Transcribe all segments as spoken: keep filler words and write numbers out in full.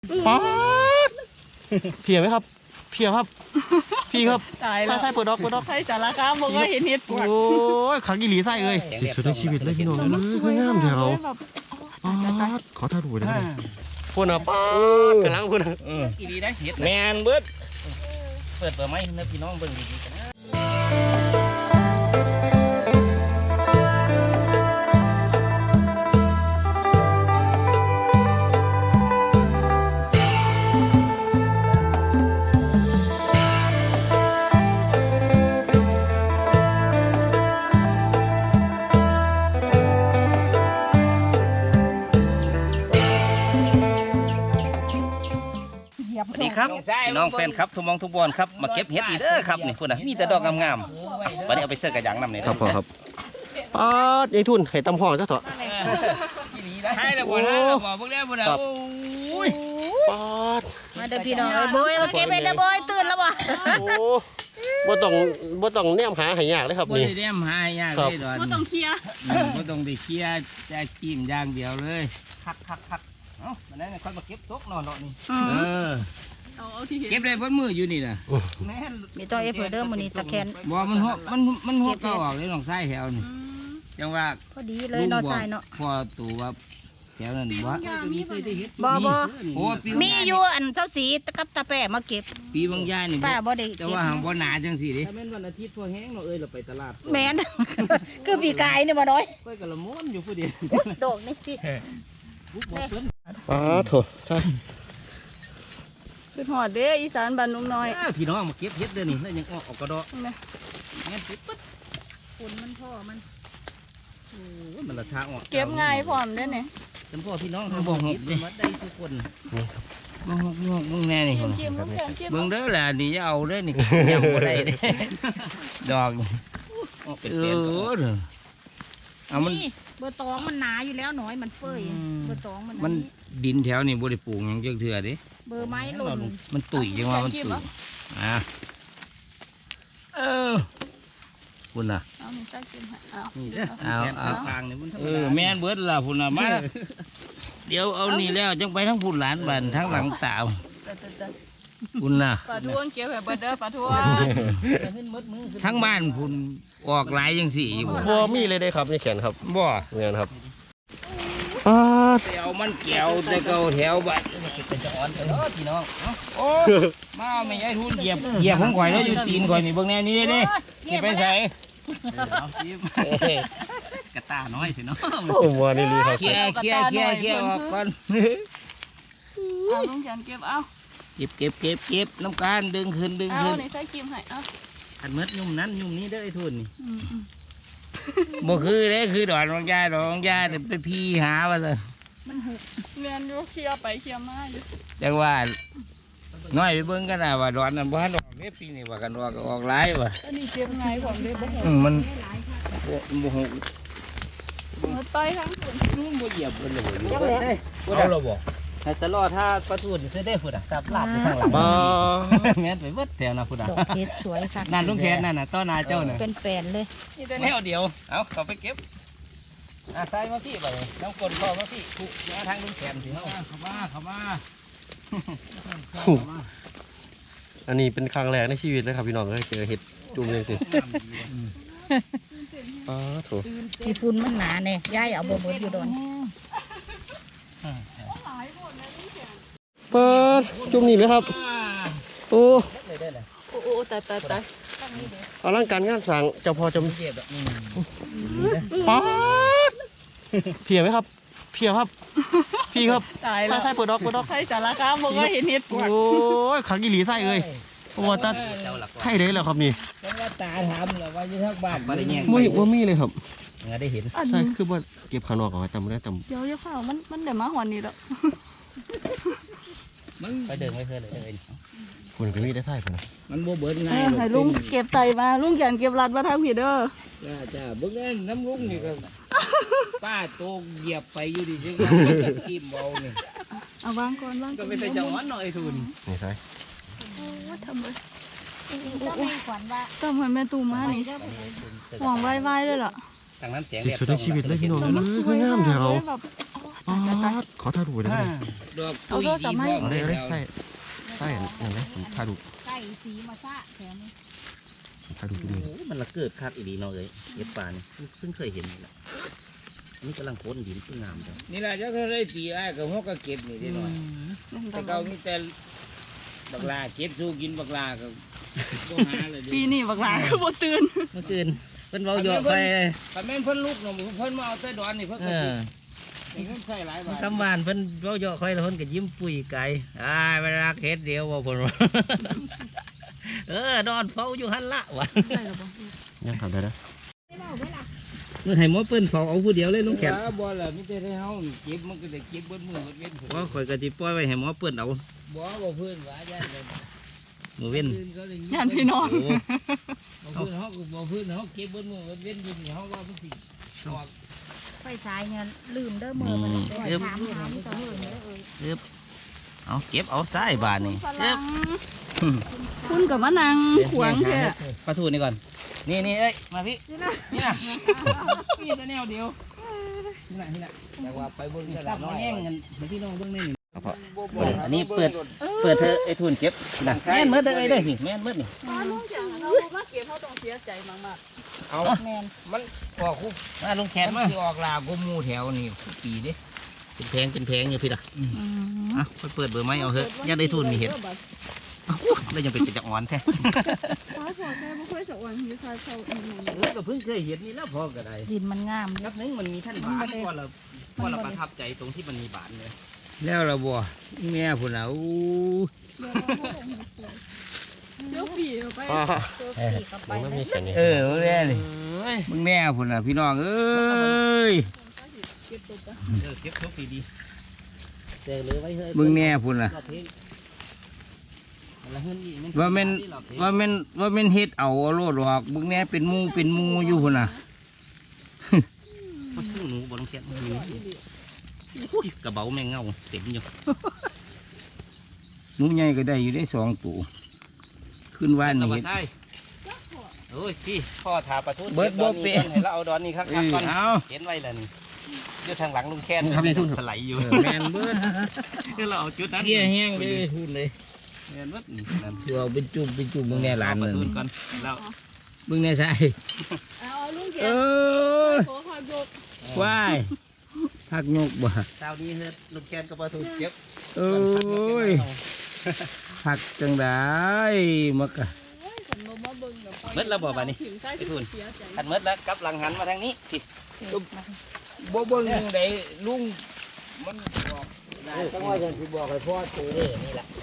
ป๊าดเพียไหมครับเพียครับพี่ครับใช่ใช่เปิดดอกเปิดดอกใช่สารคามบอกว่าเห็นเห็ดปวดโอ้ยขังอีหลีไส้เอ้ยที่สุดในชีวิตเลยพี่น้องมันสวยงามเดี๋ยวขอท่าดูได้ไหมพูดนะป๊าดกำลังพูดนะอีดีได้เห็ดแมนเบิดเปิดเปิดไหมเนื้อพี่น้องเบิ่งดีๆกันนะสวัสดีครับพี่น้องแฟนครับทุกมองทุกบอลครับมาเก็บเห็ดอีเด้อครับนี่พูดนะมีแต่ดอกงามๆวันนี้เอาไปเสิร์ฟกับยางน้ำเนี่ยครับพ่อครับป๊าดยายทุนให้ตำห่อซะเถอะใช่แล้วบ่นะบ่พวกเนี้ยบ่นะโอ้ยป๊าดมาเด้อพี่น้องโบยมาเก็บเห็ดเด้อโบยตื่นแล้วบ่โอ้บ่ต้องบ่ต้องแนมหาให้ยากเลยครับนี่บ่ได้แนมหายากเลยดอนบ่ต้องเคลียร์บ่ต้องได้เคลียร์จะจิ้มอย่างเดียวเลยคักคักคักเอ้าวันนั้นค่อยมาเก็บตกนอนเนาะนี่เออเก็บได้บนมืออยู่นี่นะมีตัวเอฟเดอร์มันนี่ตะแคนบ่มันหัวมันมันหัวเก่าออกเลยลองไส้แถวนี่จังว่าพอดีเลยนอนใส่เนาะพอตัวแถวนั้นบ่บ่บ่โอ้มีอยู่อันเจ้าสีกับตาแปะมาเก็บปีบางยายนี่ป้าบ่ได้แต่ว่าหางบ่หนาจังสิดิถ้าเป็นวันอาทิตย์พอแห้งเราเอ้ยเราไปตลาดแม่นคือปีกายนี่บ่น้อยก้อยกะละม้วนอยู่ผู้เดียวดอกนี่สิป๊าดโถใช่คือหอดเด้อีสานบ้านนุ่มน้อยพี่น้องมาเก็บเห็ดเด้อนี่แล้วยังออกออกกระดอกงั้นปิดปึ๊ดฝุ่นมันพ่อมันโอ้มันละทางออกเก็บง่ายพร้อมเด้เนี่ยจำพ่อพี่น้องทำบ่หกมาได้ทุกคนนี่ครับบ่หกบ่หกมึงแน่นี่เบิ่งเด้อล่ะนี่จะเอาเด้อนี่ยังบ่ได้เด้ดอกเออเอามันเบอร์ตองมันหนาอยู่แล้วหน่อยมันเปื่อยเบอร์ตองมันมันดินแถวนี่บ่ได้ปลูกหยังจักเทื่อเด้เบอร์ไม้หล่นมันตุ๋ยจังว่ามันตุ๋ยอ่ะเออพุ่นน่ะเอานี่ใส่กินให้เอานี่เด้อเอาเอาทางนี่มันเออแม่นเบิดล่ะพุ่นน่ะมาเดี๋ยวเอานี่แล้วจังไปทั้งพุ่นหลานบ้านทั้งหลังตาพุ่นน่ะปลาทวงเกี่ยวแบบเบิดเด้อปลาทวงทั้งบ้านพุ่นออกหลายจังสี่บ่มีเลยได้ครับนี่แขนครับบ่เงี้ยครับป๊าดเดี๋ยวมันเกี่ยวแต่เก่าแถวบ้านเป็นจะอ่อนกันเนาะพี่น้องโอ้มาไม่ใช่ทุนเหยียบเหยียบผมก่อยแล้วอยู่ตีนก่อยนี่เบื้องแน่นี่นี่นี่ไปใส่กระตาน้อยพี่น้องโอ้โหนี่ลีครับเขี่ยเขี่ยเขี่ยเขี่ยออกก่อนเอาลุงจันเก็บเอาเก็บเก็บเก็บเก็บน้ำการดึงขึ้นดึงขึ้นเอาในใส่กิมให้เอาอันเม็ดยุ่มนั้นยุ่มนี้ได้ไอ้ทุนนี่บ่คือเด้คือดอนรองยาดองยาเดี๋ยวไปพี่หาว่าซะมันหุบเรียนอยู่เคลียร์ไปเคลียร์มาอยู่จังว่าน้อยไปเบิ่งกันนะว่าดอนนั้นบ่ทันออกเด้ปีนี้ว่ากันออกออกหลายว่ะอันนี้เก็บง่ายผมเลยบ่หุบมันบ่หุบมันต่อยทั้งคนนุ่มบ่เหยียบเพิ่นเลยบ่เอาเราบ่ให้จะรอถ้าปลาทูนี่ซื้อได้พุ่นอ่ะซับลาบอยู่ข้างหลังแม่นไปเบิดแถวน่ะพุ่นอ่ะดอกเห็ดสวยค่ะนั่นลุงแขนนั่นน่ะต้อนาเจ้าน่ะเป็นแปลนเลยแนวเดียวเอาเขาไปเก็บอ่ะใส่มาพี่ไปน้ำกลนพ่อมาพี่ถูกมาทางลุงแขนสิเฮาเข้ามาเข้ามาอันนี้เป็นครั้งแรกในชีวิตเลยครับพี่น้องเลยเจอเห็ดจุ่มเลยสิป๊าดโถที่ฝุ่นมันหนาเนี่ยย่ายเอาบ่เบิดอยู่ดอนเปิดจุ่มนี่ไหมครับโอ้โอ้โอ้ตายตายตายอลังการงานสั่งเจ้าพ่อจำป๊าดเพียไหมครับเพียครับพี่ครับตายแล้วใช่เปิดดอกเปิดดอกใช่สารคามบอกว่าเห็นเห็ดปวดโอ้ยขังอีหลีไส้เอ้ยโอ้ตาใช่เลยเหรอครับนี่ว่าตาถามเหรอว่าอยู่ทักบ้านมาได้แยงไม่ว่ามีเลยครับงาได้เห็นใช่คือว่าเก็บข้างนอกเอาไว้จำไม่ได้จำเดี๋ยวเดี๋ยวข้าวมันมันเดี๋ยวมาหอนนี่แล้วไปเดินไม่เคยเลยเดินคุณก็มีได้ไส้คุณมันโบเบิร์ดไงให้ลุงเก็บไตมาลุงแขนเก็บรัดมาทางผิดเด้อจ้าจ้าเบิ้งนั่นน้ำลุงนี่ก็ป้าโตเหยียบไปอยู่ดิจึงกิมเบาเนี่ยเอาวางก่อนวางก็ไม่ใช่จังหวะหน่อยทุนนี่ใช่ทำเลยต้องให้ขวัญว่าต้องให้แม่ตูมานี่ห่วงไว้ไว้เลยเหรอทางนั้นเสียงที่สุดในชีวิตเลยพี่น้องมันสวยงามเดี๋ยวอ๋อขอถ่ายรูปได้ไหมดอกเอาโทรศัพท์มาให้เอาได้เอาได้ใส่ใส่อย่างไรผมถ่ายรูปไก่สีมาซะแถมนี้ผมถ่ายรูปดูโอ้มันละเกิดคักอีดีเนาะเอ้ยเห็ดป่านี่เพิ่งเคยเห็นนี่แหละนี่กำลังโคนดินเพิ่งงามจังนี่แหละจะเขาได้ตีไอ้กับหัวก็เก็บนี่ได้หน่อยแต่เขามีแต่บักลาเก็บสู้กินบักลาก็ต้องหาเลยปีนี้บักหลาคือบ่ตื่นเมื่อคืนเพิ่นเว้าหยอกไปแต่แม่นเพิ่นลูกเนาะเพิ่นมาเอาแต่ดอนนี่เพิ่นเอก็อนี่เพิ่นใส่หลายบาทคำหวานเพิ่นเว้าหยอกค่อยแล้วเพิ่นก็ยิ้มปุยไก่อ้ายเวลาเฮ็ดเดียวบ่เพิ่นว่า เออดอนเฝ้าอยู่หั่นละวะยังทำได้นะเมื่อให้หมอเปิ้นเฝ้าเอาผู้เดียวเลยลุงแขกบ่ล่ะมีแต่ให้เฮาเก็บมันก็ได้เก็บเบิดมือเบิดเว้นว่าข่อยก็สิปล่อยไว้ให้หมอเปิ้นเอาบ่บ่เพิ่นว่าย่านเลยมื้อเว้นย่านพี่น้องโอ้บ่เพิ่นเฮาก็บ่เพิ่นเฮาเก็บเบิดมือเบิดเว้นอยู่นี่เฮาว่ามันสิออกไฟฉายเนี่ยลืมเด้อมือมันไปถามถามต่อมือเลยเอ้ยเอาเก็บเอาสายบาดนี่ฝรั่งคุณกับมะนางขวางแท้ปลาทูนี่ก่อนนี่นี่เอ้ยมาพี่นี่นะนี่นะพี่แต่แนวเดียวนี่นะนี่นะแต่ว่าไปเบิ่งตตัลาบดมาน้อยแย่งกันให้พี่น้องเบิ่งนี่นี่บ่บ่อันนี้เปิดเปิดเธอไอ้ทุนเก็บนะแม่นเมื่อเด้อเอ้ยเด้อนี่แม่นเมื่อนี่ลุงจังเรามาเก็บเขาต้องเสียใจมากเอาแมนมันออกคุกมาลงแขแขนนมามันสิออกลากูมูแถวนี่คุกปีเด้เป็นแพงเป็นแพงอยู่พี่ล่ะๆอืมอ่ะค่อยเปิดเบอร์ไม้เอาเถอะยังได้ทุนมีเห็นอ้าวแล้วยังเป็นกระจักอ่อนแท้ฟ้าสวยแท้บ่ค่อยสะอ่อนอยู่ค่ะเขาอีหยังเออก็เพิ่งเคยเห็นนี่แล้วพอก็ได้ดินมันงามนับนึงมันมีท่านบานพอเราพอเราประทับใจตรงที่มันมีบานเลยแล้วละบ่แม่พุ่นน่ะอู้เดี๋ยวปีเอาไปอ๋อตัวปีกเข้าไปมันเลมียแค่นี้เออมึงแม่นี่มึงแม่พุ่นน่ะพี่น้องเอ้ยเก็บตัวไปเออเก็บทุกปีดีเจอเลยไว้เฮ้ยมึงแม่พุ่นน่ะรอบเพลงแล้วเฮือนนี่ว่าแม่นว่าแม่นว่าแม่นเฮ็ดเอาโลดดอกมึงแม่เป็นหมูเป็นหมูอยู่พุ่นน่ะมันคือหนูบนเขียนหนูอุ้ยกระเบาแมงเงาเต็มอยู่หนูใหญ่ก็ได้อยู่ได้สองตัวขึ้นว่านนี่เห็นใช่โอ้ยพี่พ่อถาประทุนเบิดบ่เปะให้เราเอาดอนนี่ครับเออก่อนเอาเห็นไว้แล้วนี่อยู่ทางหลังลุงแค้นสไลด์อยู่เออแม่นเบิดคือเราเอาจุดนั้นเกี้ยแห้งเลยทุนเลยแม่นเบิดนี่นั่นตัวเอาเป็นจุ่มเป็นจุ่มมึงแน่หลานปเลระยทุนก่อนแล้วมึงแน่ใช่เอาลุงเก็เอบ อขอขอยกว้ายพักยกบ่เช้านี้เฮ็ดลุงแค้นกับประทุนเก็บโอ้ยพักจังได้มากะผมบ่มาเบิ่งกับเบิดแล้วบ่บัดนี้ถึงใต้ไอ้ทุนเสียใจขันเบิดแล้วกลับหลังหันมาทางนี้พี่บ่เบิ่งยังไดลุงมันบอกได้จังว่าจังสิบอกให้พ่อตัวเด้นี่ล่ะ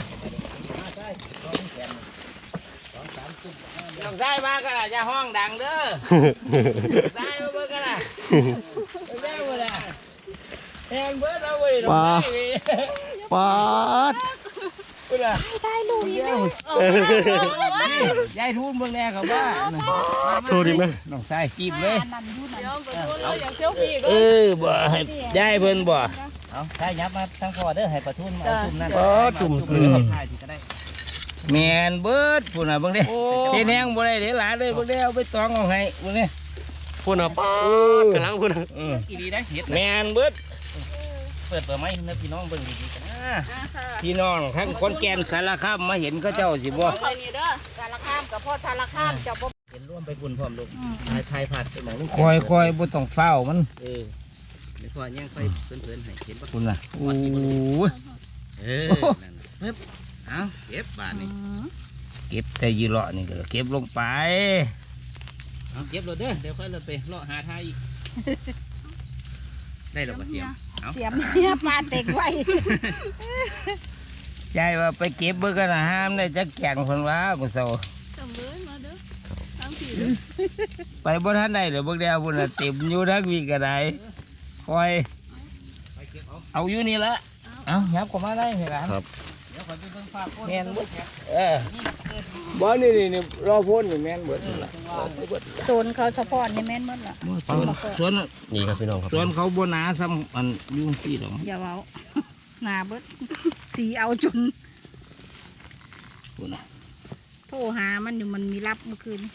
ต้องใส่มากันล่ะอย่าห้องดังเด้อใส่มาเบิ่งกันล่ะใส่บ่ล่ะแฮงเบิดเอาไว้ดอกไม้ปาดเบิ่งล่ะได้ลูกอีกแล้วยายทุนเบิ่งแน่ครับว่าโทษดีไหมน้องใส่จีบเลยนั่นอยู่นั่นเดี๋ยวไปดูเราอยากเซลฟี่ก็เออบ่ให้ยายเพิ่นบ่เอาถ้ายับมาทางพ่อเด้อให้ประทุนมาเอาจุ่มนั่นปาดจุ่มเอคืออถ่ายที่ก็ได้แม่นเบิดพุ่นน่ะเบิ่งเด้โอ้เฮ็ดแฮงบ่ได้เด้หลานเลยเบิ่งเด้เอาไปตองเอาให้เบิ่งเด้พูดนะปาดกำลังพูดนะเอออีดีได้เฮ็ดนะแม่นเบิดเปิดเปิดไม้ให้พี่น้องเบิ่งดีๆกันนะพี่น้องทั้งคนแก่นสารคามมาเห็นเขาเจ้าสิบ่คอยนี่เด้อสารข้ามกับพ่อสารข้ามจะบ่เห็นร่วมไปบุญพร้อมลูกถ่ายถ่ายผัดไปหมองลูกคอยๆบ่ต้องเฝ้ามันเออเดี๋ยวพ่อย่างไปเพื่อนๆให้เห็นปะพุ่นน่ะโอ้ยเออนั่นน่ะปึ๊บเอาเก็บบาทนี่เก็บแต่ยีเลาะนี่ก็เก็บลงไปเอาเก็บรถเด้อเดี๋ยวค่อยรถไปเลาะหาทายอีกได้หรอกเสียมเอาเสียมเนี่ยปลาเต็กไว้ยายว่าไปเก็บเบิ่งกันนะห้ามได้จักแก่งเพิ่นว่ากูเซาจำเลยมาเด้อทางผีเด้อไปบ่ทันได้เดี๋ยวเบิ่งแล้วพุ่นน่ะเต็มอยู่ทั้งวีก็ได้คอยไปเก็บเอาเอาอยู่นี่ละเอายับเข้ามาได้ไหมล่ะครับเดี๋ยวค่อยไปเบิ่งฝากคนแม่นเบิดเออบ่นี่นี่นี่รอพ้นนี่แม่นเบิดล่ะโซนเขาเฉพาะนี่แม่นหมดล่ะสวนสวนนี่ครับพี่น้องครับสวนเขาบ่หนาซ้ำอันยุ่งซี่ดอกอย่าเว้าหนาเบิดสีเอาจนพุ่นน่ะโทรหามันอยู่มันมีรับเมื่อคืน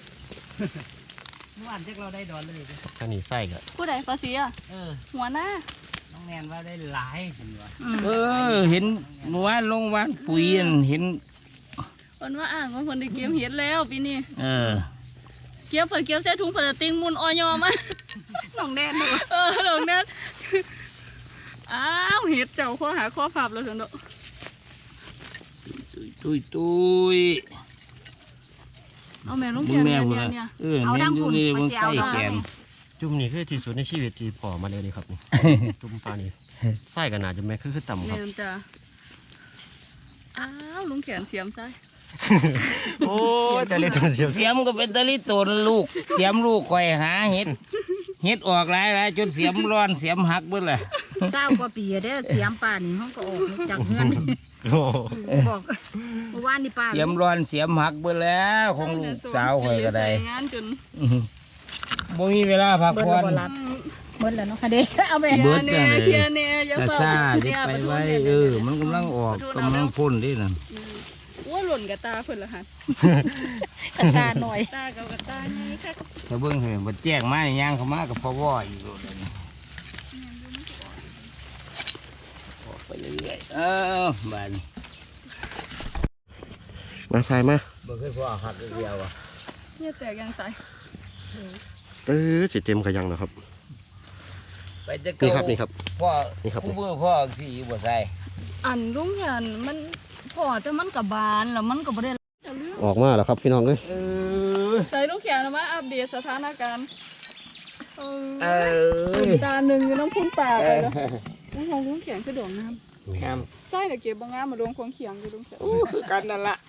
เมื่อวานเช็คเราได้ดอนเลยอันนี้ไส้ก็ผู้ใดฟ้าเสียเออหัวหน้าน้องแม่นว่าได้หลายเห็นว่าเออเห็นเมื่อวานลงวานปุ๋ยอันเห็นคนว่าอ่างว่าคนได้เก็บเห็ดแล้วปีนี้เออเก็บเพิ่นเก็บใส่ถุงพลาสติกมุนออยอมาน้องแดนเด้อเออดอกนั้นอ้าวเห็ดเจ้าข้อหาข้อพับแล้วสันโดตุยตุยเอาแม่ลุงมึเขีงยนแม่เนี่ยพุ่นเนี่ยน่ะเนี่ยเออแม่นอยู่นี่มึงใกล้แขนจุ่มนี่คือที่สุดในชีวิตที่พอมาเลยนี่ครับนี่ จุ่มปลานี่ไส้กันหนาจะแม่คือคือต่ำคเนี่รับยจ้ะอ้าวลุงเขียนเสียมใส่โอ้ยแต่เล็กจังเสียวเสียมก็เป็นตะลิตนลูก เสียมลูกคอยหาเห็ดเห็ดออกหลายหลายจนเสียมร้อนเสียมหักเบิดเลยเศร้ากว่าปีเด้อเสียมป่านี่ห้องก็ออกจากเฮือนโอ้บอกเมื่อวานนี่ป้าเสียมร้อนเสียมหักเบิดแล้วของลูกสาวคอยก็ได้ใส่งานจนอื้อหือบ่มีเวลาพักเบิดผ่อแล้วนบ่รับเบิดแล้วเนาะค่ะเด้เอาไปเบิดเทียเนียเทียเนียอย่าซาเฝ้าซาๆเนี่เด็ยกไปประตูไว้เนี่ยเออมันกำลังออกกำลังพ่นดิน่ะโอ้ยหล่นกับตาเพิ่นละหันกระตาหน่อยตากับกับตาไงค่ะถ้าเบิ่งเห็นบ่แจ้งมานี่ย่างเข้ามากับพ่อว่ออีกโลดเลยนี่ออกไปเรื่อยๆเออบาดนี้มาใส่มาบ่เคยพ่อหักเดียวอ่ะเนี่ยแตกยังใส่เออสิเต็มขยังนะครับไปจะนี่ครับนี่ครับพ่อนี่ครับผู้เบื่อพ่อสิอยู่บ่ใส่อันลุงเขียนมันพอแต่มันกับบานแล้วมันก็บ่ได้จะเรื่องออกมาแล้วครับพี่น้องเอ้ยเออใส่ลุงเขียนมาอัปเดตสถานการณ์เอเอออตาหนึ่งอยู่น้ำพุ่นป่าไปแล้วน้องของลุงเขียนคือดอกน้งามำใส่แต่เก็บบางงามมาดวงของเขียงอยู่ลุงเขียนอู้คือกันนั่นล่ะ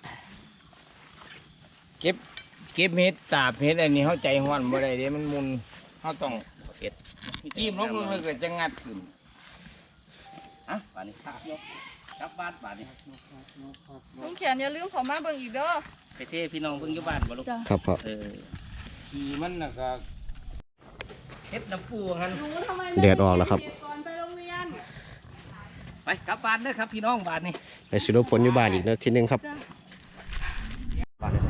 เก็บเก็บเห็ดตาบเห็ดอันนี้เฮาใจฮ้อนบ่ได้เด้มันมุนเฮาต้องเฮ็ดจิ้มลงเลยก็จะงัดขึ้นอ่ะบาดนี้ครับยกกลับบ้านบาดนี้ลุงเขียนอย่าลืมเขอมาเบิ่งอีกเด้อไปเทพี่น้องเพิ่งอยู่บ้านบ่ลูกจ้ะครับพ่อเออขี่มันน่ะก็เฮ็ดน้ำปูหันหนูทำไมแดดออกแล้วครับก่อนไปโรงเรียนไปกลับบ้านเด้อครับพี่น้องบ้านนี้ไปสรุปผลอยู่บ้านอีกนะทีนึงครับบ้านนี้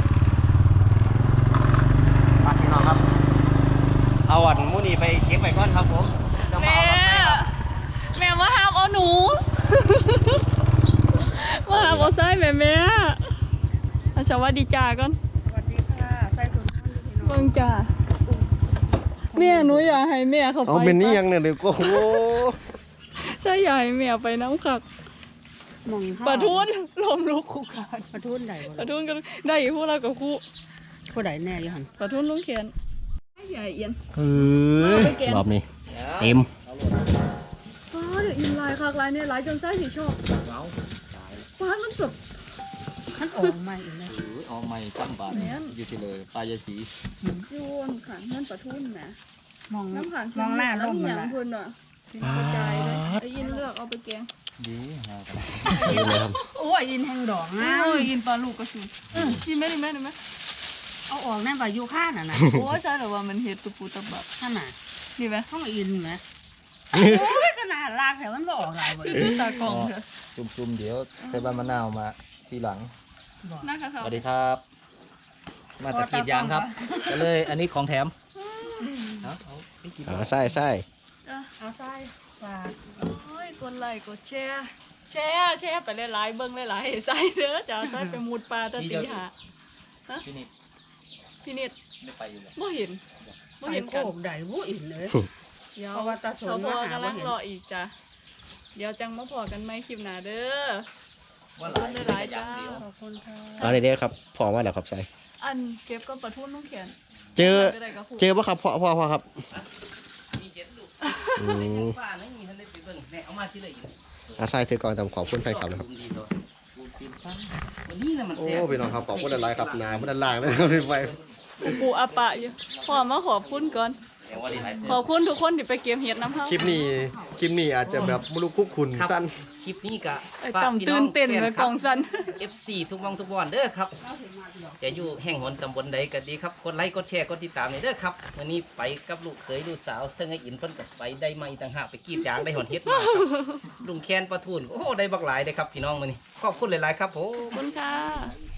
มาพี่น้องครับ เอาอันมูนี่ไปเก็บไปก่อนครับผมจะมาแม่เอาแม่มาห้ามเอาหนูมาห้ามเอาไส้แม่แม่เอาสวัสดีจ้าก่อนสวัสดีค่ะใส่ถุงมือพี่น้องเบิ่งจ้าแม่หนูอยากให้แม่เขาไปเอาเป็นนี้ยังเนี่ยเดี๋ยวก็โอ้โหใช่อยากให้แม่ไปน้ำขักมองปะทุนลมลุกคุกคานปะทุนได้บ่ปะทุนกันได้อีกพวกเรากับคู่ผู้ใดแน่อยู่หั่นปะทุนลุงเขียนไม่ใหญ่เอียนเออรอบนี้เต็มป้าเดี๋ยวอินลายคักลายเนี่ยลายจนไส้สีชอบป้ามันแบบคันออกมาอีกแล้วออกใหม่ซ้ำบาทแม่นอยู่ที่เลยปลายายสีโยนขังนั่นปะทุนนะมองน้ำขังมองหน้าลมหมันยังละพุ่นอ่ะกระจายเลยไอ้ยินเลือกเอาไปแกงดีฮะนี่เลยครับโอ้ยยินแห่งดอกงาเอ้มยยินปลาลูกกระสุนกินไหมกินไหมกินไหมเอาออกแน่ว่าอยู่ข้างน่ะนะโอ้ยใช่แต่ว่ามันเห็ดตุปูตะบับนั่นน่ะนี่ไหมห้องอินไหมโอ้ยขนาดลากแถวมันบ่ออกหลายบ่คือตากล่องเถอะจุ่มๆเดี๋ยวใส่ใบมะนาวมาทีหลังนะคะสเขาวัสดีครับ มาตะกีดยางครับ ก็เลยอันนี้ของแถมเอาเอาไปกินเอาไส้ไส้เอาใส่ฝากโอ้ยกดไลค์กดแชร์แชร์แชร์ไปหลายๆเบิ้งหลายๆใส่เด้อจ้าใส่ไปมุดปลาตะตีหาที่นี่พี่เน็ตไม่ไปอยู่แล้วบ่เห็นบ่ไปเห็นโกกันบได้บ่อินเลยเดี๋ยวเพราะว่าตาสนเขาพอมาหากำลังบ่เห็นรออีกจ้ะเดี๋ยวจังมาพอกันไหมคลิปหน้าเด้อว่าขอบคุณหลายๆจ้าขอบคุณค่ะเอาเลยเด้อครับพอมาแล้วครับใส่อันเก็บก็ประทุนลุงเขียนเจอไปได้กับครูเจอปะครับพ่อพ่อพ่อครับมีเจ็ดลูกอืมป้าไม่มีทันได้ไปเบิ่งแน่เอามาที่เลยอยู่อาไส้ถือก่อนตามขอบคุณไฟครับนะครับดีตัวปูตีนฟันวันนี้นะมันโอ้แซ่บพี่น้องครับขอบคุณอะไรครับนาพุทธลางนะครับไฟปูอาปะอยู่พอมาขอบคุณก่อนแซ่บว่าดีหลายขอบคุณทุกคนที่ไปเก็บเห็ดน้ำเฮาคลิปนี้คลิปนี้อาจจะแบบไม่รู้คุกคุณสั้นคลิปนี้กะไอ้ต่ำตื่นเต้นเลยกองสันเอฟซีทุกมองทุกบอนเด้อครับจะอยู่แห่งหนตำบลใดก็ดีครับกดไลค์กดแชร์กดติดตามเลยเด้อครับวันนี้ไปกับลูกเคยลูกสาวเทั้งไอ้อินเพิ่นกับไปได้มาอีกต่างหากไปกรีดยางได้หอนเฮ็ดมาครับลุงแคนปลาทูนโอ้ได้บักหลายเลยครับพี่น้องมื้อนี้ขอบคุณหลายๆครับผมขอบคุณค่ะ